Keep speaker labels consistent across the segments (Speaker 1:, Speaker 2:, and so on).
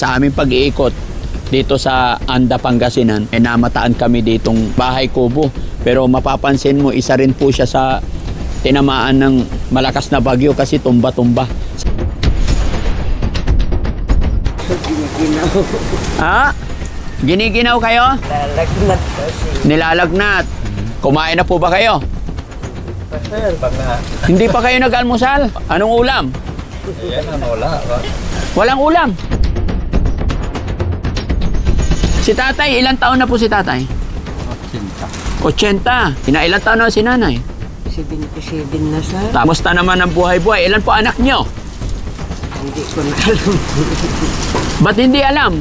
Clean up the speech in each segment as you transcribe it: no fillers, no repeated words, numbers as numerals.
Speaker 1: Sa aming pag-iikot dito sa Anda, Pangasinan, namataan kami ditong bahay kubo. Pero mapapansin mo, isa rin po siya sa tinamaan ng malakas na bagyo kasi tumba-tumba.
Speaker 2: Giniginaw.
Speaker 1: Ha? Giniginaw kayo?
Speaker 2: Lalagnat kasi.
Speaker 1: Nilalagnat. Kumain na po ba kayo?
Speaker 2: Pasal.
Speaker 1: Hindi pa kayo nag-almusal? Anong ulam?
Speaker 3: Yan ang wala.
Speaker 1: Walang ulam. Si tatay, ilang taon na po si tatay? 80. Ilang taon na si nanay?
Speaker 2: 77 na sa.
Speaker 1: Kamusta naman ang buhay-buhay? Ilan po anak nyo?
Speaker 2: Hindi ko na alam.
Speaker 1: Ba't hindi alam?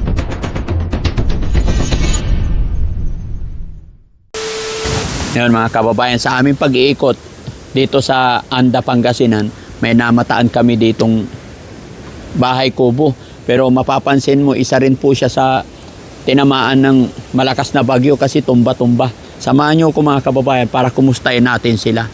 Speaker 1: Ngayon mga kababayan, sa aming pag-iikot dito sa Anda, Pangasinan, may namataan kami ditong bahay kubo. Pero mapapansin mo, isa rin po siya sa tinamaan ng malakas na bagyo kasi tumba-tumba. Samahan niyo ko mga kababayan para kumustahin natin sila.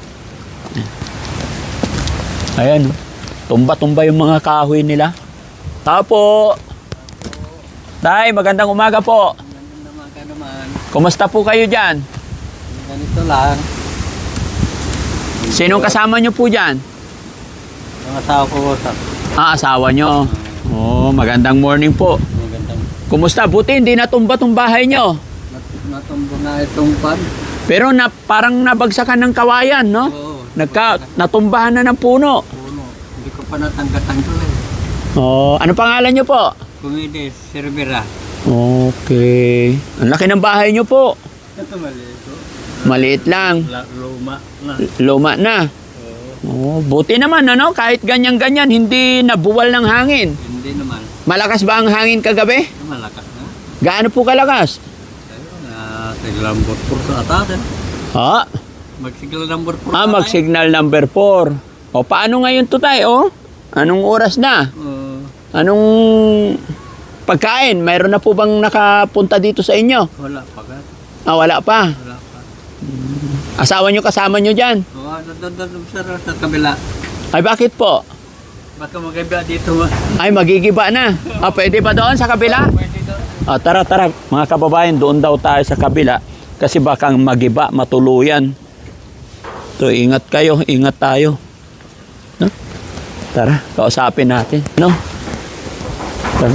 Speaker 1: Ayan, tumba-tumba yung mga kahoy nila. Tao po. Tay, magandang umaga po.
Speaker 3: Naman.
Speaker 1: Kumusta po kayo dyan?
Speaker 3: Ganito lang.
Speaker 1: Sinong kasama nyo po dyan?
Speaker 3: Ang asawa ko sa
Speaker 1: Asawa nyo. Oh, magandang morning po.
Speaker 3: magandang
Speaker 1: Kumusta? Buti hindi natumba tong bahay nyo.
Speaker 3: natumbo na itong pan.
Speaker 1: Pero parang nabagsakan ng kawayan, no?
Speaker 3: Oo.
Speaker 1: Natumbahan na ng puno.
Speaker 3: Puno. Hindi ko pa natanggat-tanggal eh.
Speaker 1: Oh, ano pangalan nyo po?
Speaker 3: Kumides, Cervera.
Speaker 1: Okay. Ang laki ng bahay nyo po.
Speaker 3: Ito maliit.
Speaker 1: Maliit lang.
Speaker 3: Luma na.
Speaker 1: Luma na. Oh, buti naman, ano? Kahit ganyan-ganyan, hindi nabuwal ng hangin.
Speaker 3: Hindi naman.
Speaker 1: Malakas ba ang hangin kagabi?
Speaker 3: Malakas na.
Speaker 1: Gaano po kalakas?
Speaker 3: Ayun na, signal number 4 sa atas eh.
Speaker 1: Ha?
Speaker 3: Mag-signal number 4
Speaker 1: Mag-signal number 4. O, paano ngayon to tayo? Anong oras na? Anong pagkain? Mayroon na po bang nakapunta dito sa inyo?
Speaker 3: Wala pa ka.
Speaker 1: Wala pa.
Speaker 3: Wala pa.
Speaker 1: Asawa nyo, kasama nyo dyan?
Speaker 3: Oo, doon sa kabila.
Speaker 1: Ay, bakit po?
Speaker 3: Baka magkaiba dito ma.
Speaker 1: Ay, magigiba na. Pwede ba doon sa kabila?
Speaker 3: Pwede doon.
Speaker 1: Tara, tara. Mga kababayan, doon daw tayo sa kabila. Kasi baka magiba, matuluyan. So, ingat kayo, ingat tayo. No? Tara, kausapin natin. No? Tara.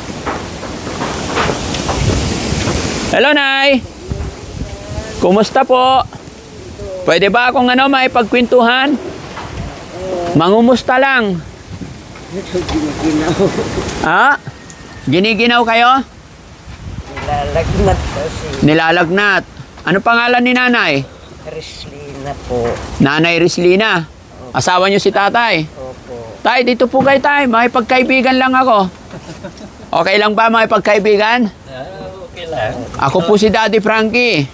Speaker 1: Hello, Nay! Kumusta po? Pwede ba akong maipagkwentuhan? Mangumusta lang.
Speaker 2: Giniginaw.
Speaker 1: Ha? Giniginaw kayo?
Speaker 2: Nilalagnat kasi.
Speaker 1: Nilalagnat. Ano pangalan ni nanay?
Speaker 2: Rislina po.
Speaker 1: Nanay Rislina. Asawa niyo si tatay.
Speaker 2: Opo.
Speaker 1: Tay, dito po kayo tay. Makipagkaibigan lang ako. Okay lang ba makipagkaibigan?
Speaker 3: Okay lang.
Speaker 1: Ako po si Daddy Frankie.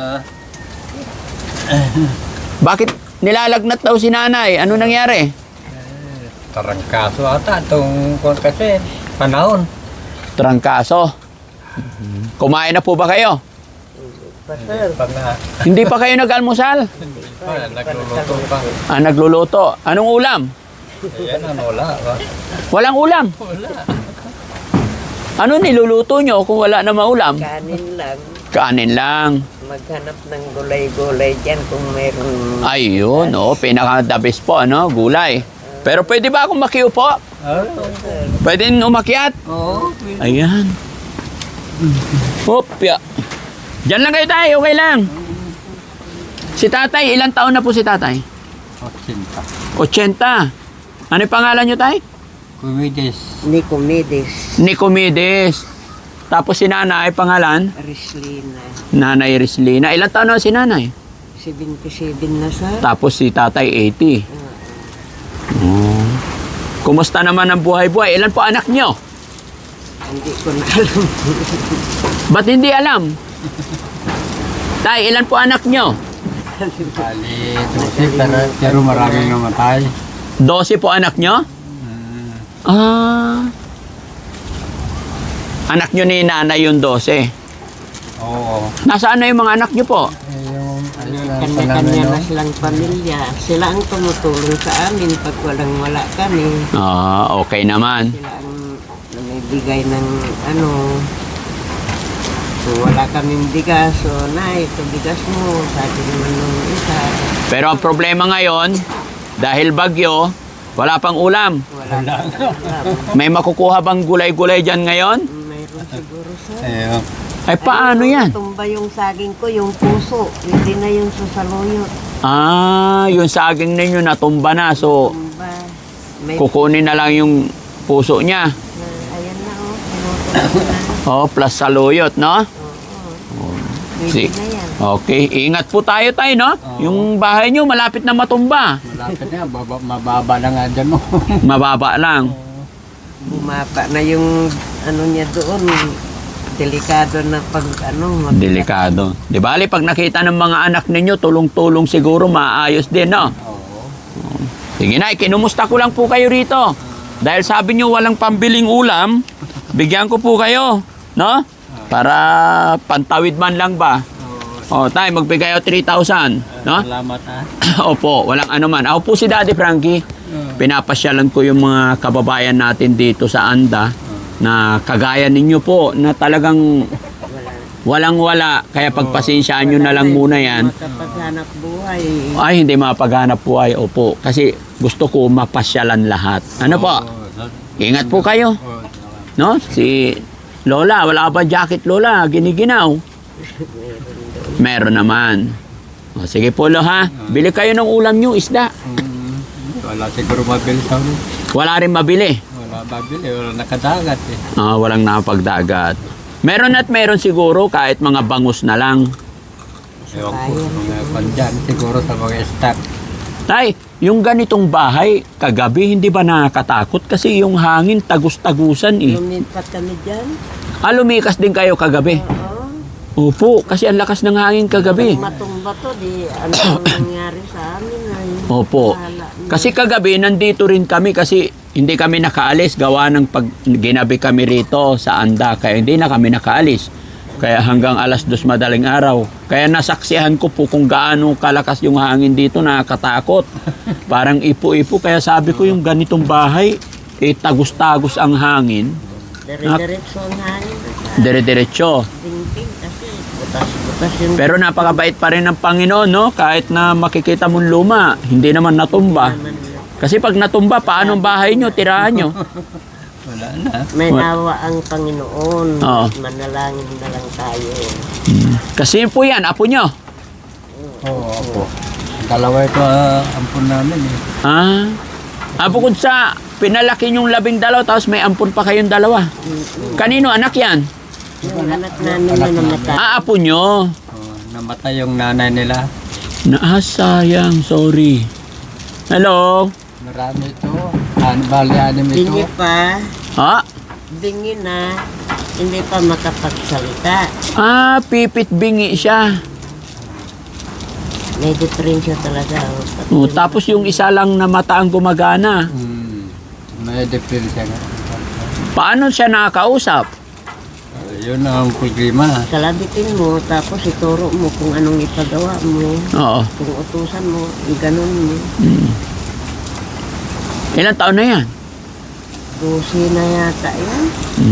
Speaker 1: Bakit nilalagnat daw si nanay? Ano nangyari?
Speaker 3: Tarangkaso ata itong kasi panahon.
Speaker 1: Trangkaso. Kumain na po ba kayo?
Speaker 2: Pasal.
Speaker 3: Pag na,
Speaker 1: Hindi pa kayo nag-almusal?
Speaker 3: nagluluto pa.
Speaker 1: Nagluluto. Anong ulam?
Speaker 3: Ayan ang wala.
Speaker 1: Walang ulam.
Speaker 3: Wala.
Speaker 1: Ano niluluto nyo kung wala na maulam?
Speaker 2: Kanin lang.
Speaker 1: Kanin lang.
Speaker 2: Maghanap ng gulay-gulay dyan kung meron.
Speaker 1: Ayun, pinaka-the best po, gulay. Pero pwede ba akong makiupo? Pwede umakyat?
Speaker 3: Oo.
Speaker 1: Ayan. Hopya. Diyan lang kayo tayo, okay lang. Si tatay, ilang taon na po si tatay? 80. Ano yung pangalan nyo, tay?
Speaker 3: Kumides.
Speaker 2: Nicomedes.
Speaker 1: Nicomedes. Tapos si nanay, pangalan?
Speaker 2: Rislina.
Speaker 1: Nanay Rislina. Ilang taon na si nanay?
Speaker 2: 77 na sa.
Speaker 1: Tapos si tatay, 80. Kumusta naman ang buhay-buhay? Ilan po anak nyo?
Speaker 2: Hindi ko na alam.
Speaker 1: Ba't hindi alam? Tay, ilan po anak nyo?
Speaker 3: Bali, 12 pero maraming namatay.
Speaker 1: 12 po anak nyo? Anak nyo ni nanay yung 12.
Speaker 3: Oo.
Speaker 1: Nasaan na yung mga anak nyo po?
Speaker 3: Yung
Speaker 2: Kanya-kanya na silang pamilya. Sila ang tumutulong sa amin pag walang-wala kami.
Speaker 1: Okay naman.
Speaker 2: Sila ang magbigay ng ano. So, wala kaming bigas. So, nay, ito bigas mo. Sabi naman nung isa.
Speaker 1: Pero ang problema ngayon, dahil bagyo, wala pang ulam.
Speaker 2: Wala kang ulam.
Speaker 1: May makukuha bang gulay-gulay dyan ngayon?
Speaker 2: Mayroon siguro, sir.
Speaker 3: Ayun.
Speaker 1: Ay, paano yan?
Speaker 2: Tumba yung saging ko, yung puso. Hindi na yung susaluyot.
Speaker 1: Ah, yung saging ninyo natumba na. So,
Speaker 2: Tumba. May
Speaker 1: kukunin na lang yung puso niya.
Speaker 2: ayan na, oh. Pinuto ko na.
Speaker 1: Oh, plus saluyot, no?
Speaker 2: Oo. Pwede
Speaker 1: Si-
Speaker 2: na yan.
Speaker 1: Okay, ingat po tayo, no?
Speaker 3: Oo.
Speaker 1: Yung bahay nyo malapit na matumba.
Speaker 3: Malapit na, mababa na nga dyan mo.
Speaker 1: Mababa lang.
Speaker 2: Bumaba na yung ano niya doon. Delikado na pag ano.
Speaker 1: Delikado. Di bali, pag nakita ng mga anak ninyo, tulong-tulong siguro, maayos din, no?
Speaker 3: Oo.
Speaker 1: Sige na, kinumusta ko lang po kayo rito. Dahil sabi nyo walang pambiling ulam, bigyan ko po kayo, no? Para pantawid man lang ba? O, tayo, magbigay ako 3,000, no?
Speaker 3: Salamat ha.
Speaker 1: Opo, walang ano man. Ako po si Daddy Frankie. Pinapasyalan ko yung mga kababayan natin dito sa Anda na kagaya ninyo po na talagang walang-wala. Kaya pagpasensyaan nyo na lang muna yan.
Speaker 2: Makapaghanap buhay.
Speaker 1: Ay, hindi mapaghanap buhay. Opo, kasi gusto ko mapasyalan lahat. Ano po? Ingat po kayo. No? Si Lola, wala ba jacket Lola? Giniginaw. Meron naman. O, sige po lo ha. Bili kayo ng ulam nyo, isda.
Speaker 3: Wala siguro mabili sa ulo.
Speaker 1: Wala rin mabili.
Speaker 3: Wala mabili, wala nakadagat eh.
Speaker 1: Walang napagdagat. Meron at meron siguro kahit mga bangus na lang.
Speaker 3: Ewan ko, mga pandyan siguro sa mga stock.
Speaker 1: Tay, yung ganitong bahay, kagabi hindi ba nakakatakot? Kasi yung hangin tagus-tagusan eh.
Speaker 2: Lumipat kami dyan.
Speaker 1: Lumikas din kayo kagabi.
Speaker 2: Oo.
Speaker 1: Opo, kasi ang lakas ng hangin kagabi.
Speaker 2: Kung matumba to, di ano ang nangyari sa amin ay.
Speaker 1: Opo.
Speaker 2: Bahala na.
Speaker 1: Kasi kagabi nandito rin kami kasi hindi kami nakaalis gawa ng pag ginabi kami rito sa Anda. Kaya hindi na kami nakaalis. Kaya hanggang alas 2 madaling araw. Kaya nasaksihan ko po kung gaano kalakas yung hangin dito, nakakatakot. Parang ipo-ipo. Kaya sabi ko yung ganitong bahay, tagus-tagus ang hangin.
Speaker 2: Dire-diretso ang hangin.
Speaker 1: Dire-diretso.
Speaker 2: Dingding kasi butas-butas yung
Speaker 1: Pero napakabait pa rin ng Panginoon, no? Kahit na makikita mong luma, hindi naman natumba.
Speaker 2: naman.
Speaker 1: Kasi pag natumba, paano ang bahay nyo, tirahan nyo?
Speaker 3: Wala na.
Speaker 2: May nawa ang Panginoon.
Speaker 1: Oo.
Speaker 2: Manalangin na lang tayo.
Speaker 1: Kasi po yan, apo nyo.
Speaker 3: Oo, opo. Dalawa ito ampun namin eh.
Speaker 1: Bukod sa pinalaki yung 12, tapos may ampun pa kayong 2. Kanino anak yan?
Speaker 2: Yung anak namin na namatay.
Speaker 1: Apo nyo.
Speaker 3: Namatay yung nanay nila.
Speaker 1: Sayang, sorry. Hello?
Speaker 3: Marami ito. Bali, anim
Speaker 2: Bingi
Speaker 3: ito.
Speaker 2: pa.
Speaker 1: Ha?
Speaker 2: Bingi na. Hindi pa makapagsalita.
Speaker 1: Pipit bingi siya.
Speaker 2: May diferensya talaga.
Speaker 1: Tapos yung isa lang na mata ang gumagana.
Speaker 3: May diferensya nga.
Speaker 1: Paano siya nakakausap?
Speaker 3: Yun ang problema.
Speaker 2: Kalabitin mo, tapos ituro mo kung anong ipagawa mo.
Speaker 1: Oo.
Speaker 2: Kung utusan mo, ganun mo.
Speaker 1: Ilang taon na yan?
Speaker 2: 12 na yata yan.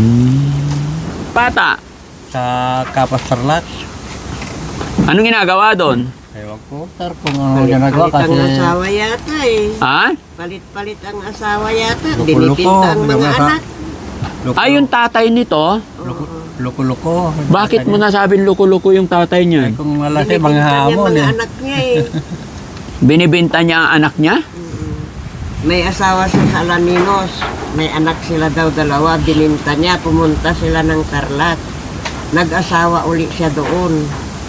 Speaker 1: Bata,
Speaker 3: Sa Kapas Tarlac.
Speaker 1: anong ginagawa doon?
Speaker 3: Ewan ko, sir, kung ano ginagawa
Speaker 2: Palit-palit
Speaker 3: kasi...
Speaker 2: ang asawa yata eh.
Speaker 1: Ha?
Speaker 2: Palit-palit ang asawa yata.
Speaker 3: Loko-loko,
Speaker 2: Binibinta ang mga
Speaker 3: binabasa.
Speaker 2: anak.
Speaker 1: Yung tatay nito,
Speaker 3: Loko-loko.
Speaker 1: bakit mo nasabing luko-luko yung tatay niya?
Speaker 3: Kung malaki, mga
Speaker 2: Binibinta niya
Speaker 3: hamon
Speaker 2: mga
Speaker 3: eh.
Speaker 2: anak niya eh.
Speaker 1: Binibenta niya ang anak niya?
Speaker 2: May asawa siya sa Alaminos. May anak sila daw 2. Bininta niya. Pumunta sila ng Tarlac. Nag-asawa uli siya doon.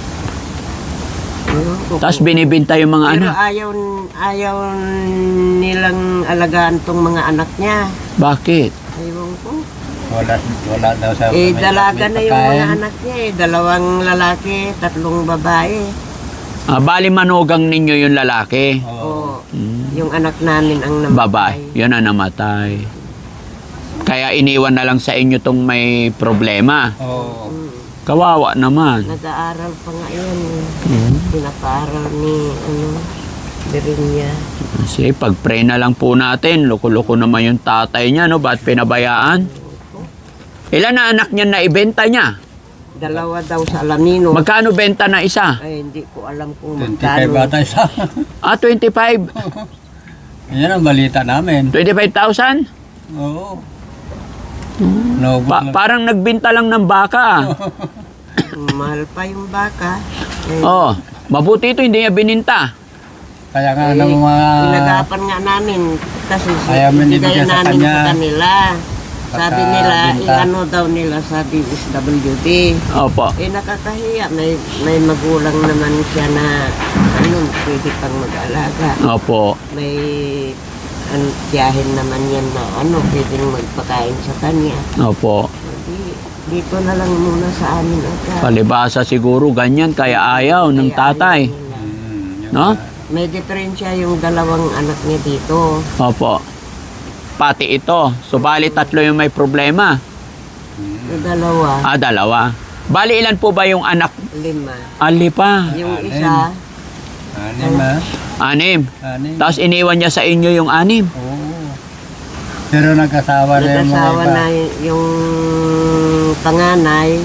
Speaker 1: Tapos binibenta yung mga
Speaker 2: Pero
Speaker 1: anak.
Speaker 2: ayaw nilang alagaan tong mga anak niya.
Speaker 1: Bakit?
Speaker 2: Ayaw ko.
Speaker 3: Wala daw sa...
Speaker 2: Dalaga na yung mga
Speaker 3: pagkain.
Speaker 2: anak niya eh. 2 lalaki, 3 babae.
Speaker 1: Bali manugang ninyo yung lalaki.
Speaker 3: Oo.
Speaker 2: Yung anak namin ang namatay.
Speaker 1: Babae. Yun ang namatay. Kaya iniwan na lang sa inyo tong may problema.
Speaker 3: Oo.
Speaker 1: Kawawa naman.
Speaker 2: Nag-aaral pa nga yun. Pinapaaral ni Berinya.
Speaker 1: Kasi pag-pray na lang po natin, loko-loko naman yung tatay niya, no? Ba't pinabayaan? Ilan na anak niya na ibenta niya?
Speaker 2: Dalawa daw sa Alamino.
Speaker 1: Magkano benta na isa?
Speaker 2: Ay, hindi ko alam kung
Speaker 3: 25
Speaker 2: magkano.
Speaker 3: bata isa.
Speaker 1: 25.
Speaker 3: Yan ang balita namin.
Speaker 1: 25,000?
Speaker 3: Oo. Naubos lang.
Speaker 1: Parang nagbenta lang ng baka.
Speaker 2: Mahal pa yung baka. Eh,
Speaker 1: Oh, mabuti ito hindi niya bininta.
Speaker 3: Kaya nga
Speaker 2: eh,
Speaker 3: ng mga...
Speaker 2: inagapan nga namin kasi
Speaker 3: Ayaw mo
Speaker 2: ibigay
Speaker 3: ibigay sa
Speaker 2: namin
Speaker 3: kanya.
Speaker 2: sa kanila. Sabi nila,
Speaker 3: Pagkabenta.
Speaker 2: i-ano daw nila sa DSWD.
Speaker 1: Opo.
Speaker 2: Eh nakakahiya, may magulang naman siya na ano, pwede pang mag-alaga.
Speaker 1: Opo.
Speaker 2: May tiyahin naman yan na ano, pwedeng magpakain sa kanya.
Speaker 1: Opo.
Speaker 2: Dito na lang muna sa amin agad.
Speaker 1: Palibasa siguro ganyan kaya ayaw ng
Speaker 2: Kaya
Speaker 1: tatay.
Speaker 2: ayaw nila.
Speaker 3: Yun
Speaker 1: No?
Speaker 3: nga.
Speaker 2: May diferensya yung dalawang anak niya dito.
Speaker 1: Opo. Pati ito. Subalit tatlo yung may problema.
Speaker 2: Yung dalawa,
Speaker 1: Dalawa. Bali ilan po ba yung anak?
Speaker 2: 5.
Speaker 1: Ali pa.
Speaker 2: Yung
Speaker 3: Anim.
Speaker 2: isa,
Speaker 3: 6 ah.
Speaker 1: 6.
Speaker 3: 6.
Speaker 1: Tapos iniwan niya sa inyo yung 6.
Speaker 3: Oo. Pero nag-asawa na yung mga
Speaker 2: nag-asawa
Speaker 3: iba.
Speaker 2: na yung panganay.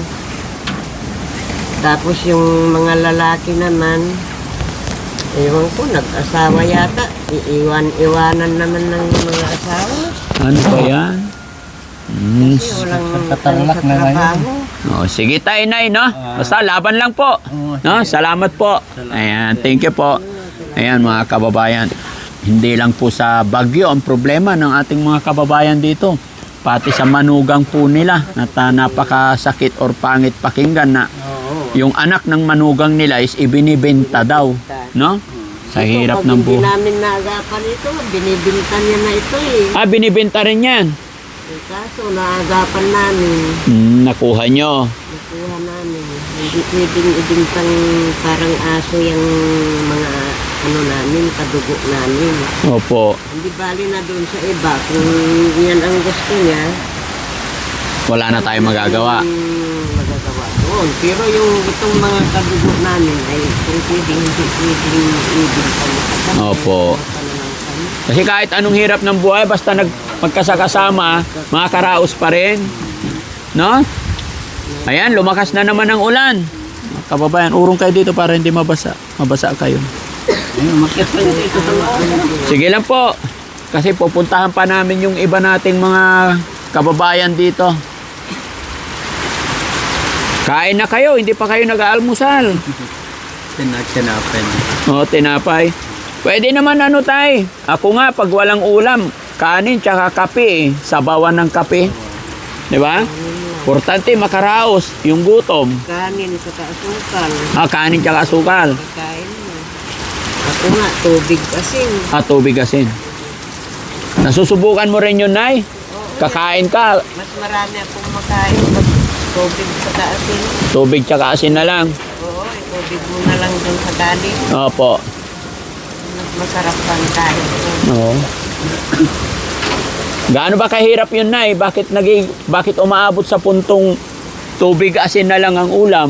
Speaker 2: Tapos yung mga lalaki naman, ewan ko, nag-asawa yata. Iwanan naman ng mga asawa.
Speaker 1: Ano ba yan?
Speaker 2: Kasi walang ano
Speaker 3: Katarlak
Speaker 2: sa
Speaker 3: na ngayon.
Speaker 2: trabaho.
Speaker 1: Oh, sige tayo, Nay, no? Basta laban lang po.
Speaker 3: Oo,
Speaker 1: No? Salamat po. Ayan, thank you po. Ayan, mga kababayan. Hindi lang po sa Bagyo ang problema ng ating mga kababayan dito. Pati sa manugang po nila na napakasakit or pangit pakinggan na
Speaker 2: Oo.
Speaker 1: yung anak ng manugang nila is ibinibenta daw. No? Sa hirap ng
Speaker 2: Hindi
Speaker 1: buhay.
Speaker 2: namin naagapan ito, binibinta niya na ito eh.
Speaker 1: Binibenta rin yan.
Speaker 2: Kaso naagapan namin,
Speaker 1: Nakuha nyo.
Speaker 2: nakuha namin. Hindi pwedeng ibintang parang aso yung mga ano namin, kadugo namin.
Speaker 1: Opo.
Speaker 2: Hindi bali na doon sa iba. Kung yan ang gusto niya,
Speaker 1: Wala na tayong magagawa.
Speaker 2: magagawa doon. Pero yung itong mga kadugo namin ay kung pwedeng, hindi pwedeng ibintang makasama.
Speaker 1: Opo. Kasi kahit anong hirap ng buhay, basta magkasakasama, mga karaos pa rin. No? Ayan, lumakas na naman ang ulan. Kababayan, urong kayo dito para hindi mabasa. Mabasa kayo.
Speaker 3: Ayun, makiat pa yun ito sa mga.
Speaker 1: Sige lang po. Kasi pupuntahan pa namin yung iba nating mga kababayan dito. Kain na kayo, hindi pa kayo nag-aalmusal.
Speaker 3: Tinapin.
Speaker 1: O, tinapay. Pwede naman ano tay. Ako nga, pag walang ulam, kanin tsaka kape eh. Sabawan ng kape. Di ba? Importante makaraos yung gutom.
Speaker 2: Kanin sa kaasukal.
Speaker 1: Kanin tsaka asukal.
Speaker 2: Pagkain mo. Ako nga, tubig asin.
Speaker 1: Tubig asin. Nasusubukan mo rin yun, Nay? Kakain ka,
Speaker 2: Mas marami akong makain pag tubig sa kaasin.
Speaker 1: tubig tsaka asin na lang.
Speaker 2: Oo, tubig mo na lang dun sa kanin.
Speaker 1: Opo.
Speaker 2: Mas masarap pang kain.
Speaker 1: Oo. Gaano ba kahirap yun, Nay? Bakit umaabot sa puntong tubig asin na lang ang ulam?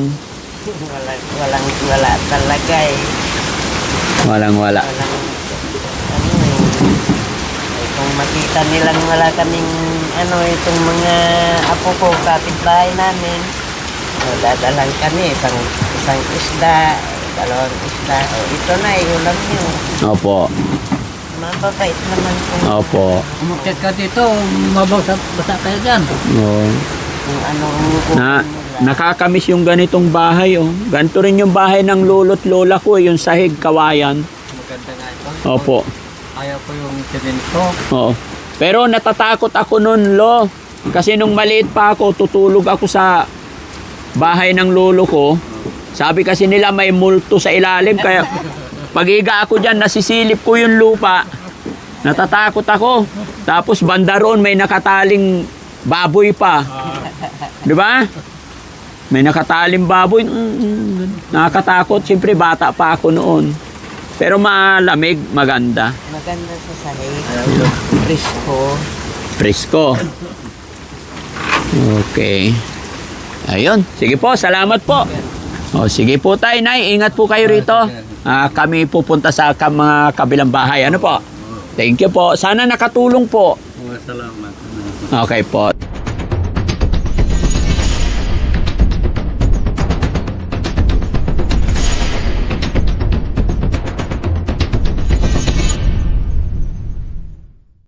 Speaker 2: Wala talaga eh.
Speaker 1: Walang wala.
Speaker 2: Walang, ano eh, kung makita nilang wala kaming, ano, itong mga apo ko, kapitbahay namin, dadalang kami, isang isda, dalawang isda, ito na, ulam niyo.
Speaker 1: Opo.
Speaker 2: Mababait naman kung,
Speaker 1: Opo.
Speaker 3: Umakyat ka dito, basa kayo dyan.
Speaker 1: Oo.
Speaker 2: kung anong
Speaker 1: Nakakamiss yung ganitong bahay, oh. Ganito rin yung bahay ng lolo't lola ko, yung sahig kawayan.
Speaker 3: Maganda nga ito.
Speaker 1: Opo.
Speaker 3: Ayaw ko yung semento.
Speaker 1: Oo. Pero natatakot ako nun, lo. Kasi nung maliit pa ako, tutulog ako sa bahay ng lolo ko. Sabi kasi nila may multo sa ilalim, kaya pag-iga ako dyan, nasisilip ko yung lupa. Natatakot ako. Tapos banda roon, may nakataling baboy pa. Di ba? May nakataling baboy. Nakakatakot. Siyempre, bata pa ako noon. Pero malamig, maganda.
Speaker 2: maganda sa sahig, presko.
Speaker 1: Presko. Okay. Ayun. Sige po, salamat po. O, sige po tayo, Nay. Ingat po kayo rito. Kami pupunta sa mga kabilang bahay. Ano po? Thank you po. Sana nakatulong po.
Speaker 3: Salamat.
Speaker 1: Okay po.